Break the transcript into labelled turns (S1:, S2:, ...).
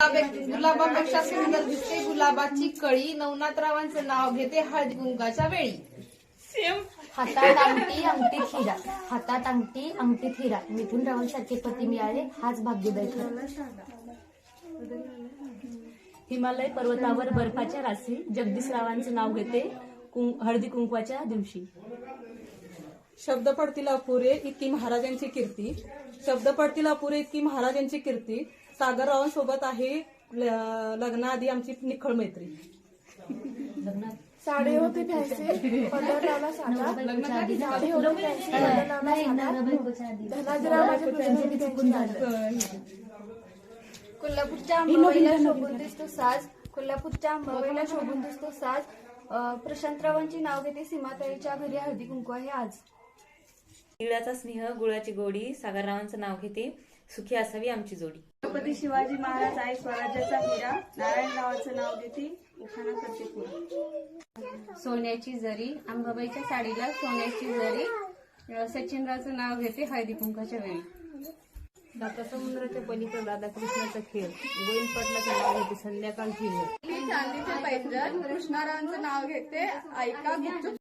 S1: गुलाबापेक्षा सुंदर दिसते गुलाबाची कळी. नवनाथरावांचं नाव घेते हळदी कुंकाच्या वेळी.
S2: हातात अंगठी अंगठीत हिरा, हातात अंगठी अंगठीत हिरा. मिथुन रावांसारखे पती मिळाले हाच भाग्योदय खरा. हिमालय पर्वतावर बर्फाच्या राशी, जगदीश रावांचं नाव घेते हळदी कुंकवाच्या दिवशी.
S3: शब्द पडतील अपुरे इतकी महाराजांची कीर्ती, शब्द पडतील अपुरे इतकी महाराजांची कीर्ती. सागररावांसोबत आहे लग्नाआधी आमची निखळ मैत्री.
S4: साडे होते फॅन्सी पंढररावला साधा, साडे होते फॅन्सी पंढररावला साधा, धनाजीरावाच्या पूजेने चुकून झालं.
S5: कोल्हापूरच्या अंबाबाईला शोभून दिसतो साज, कोल्हापूरच्या अंबाबाईला शोभून दिसतो साज. प्रशांतरावांची नाव घेते सीमाताईच्या घरी हळदी कुंकू आहे आज.
S6: तिळाचा स्नेह गुळाची गोडी, सागररावांचं नाव घेते सुखी असावी आमची जोडी.
S7: छत्रपती शिवाजी महाराज आहे स्वराज्याचा हिरा, नारायणरावाचं नाव घेते उखाणा करते पुरा.
S5: सोन्याची जरी, अंबाबाईच्या साडीला सोन्याची जरी. सचिनरावचं नाव घेते हळदी कुंकाच्या वेळी.
S2: डॉक्टर समुद्राच्या पलीकडे राधाकृष्णाचा खेळ, गोविंद पाटलाचं नाव घेते संध्याकाळ फिरलं.
S7: चांदीचे पैंजण कृष्णारावांचं नाव घेते ऐका गुपचूप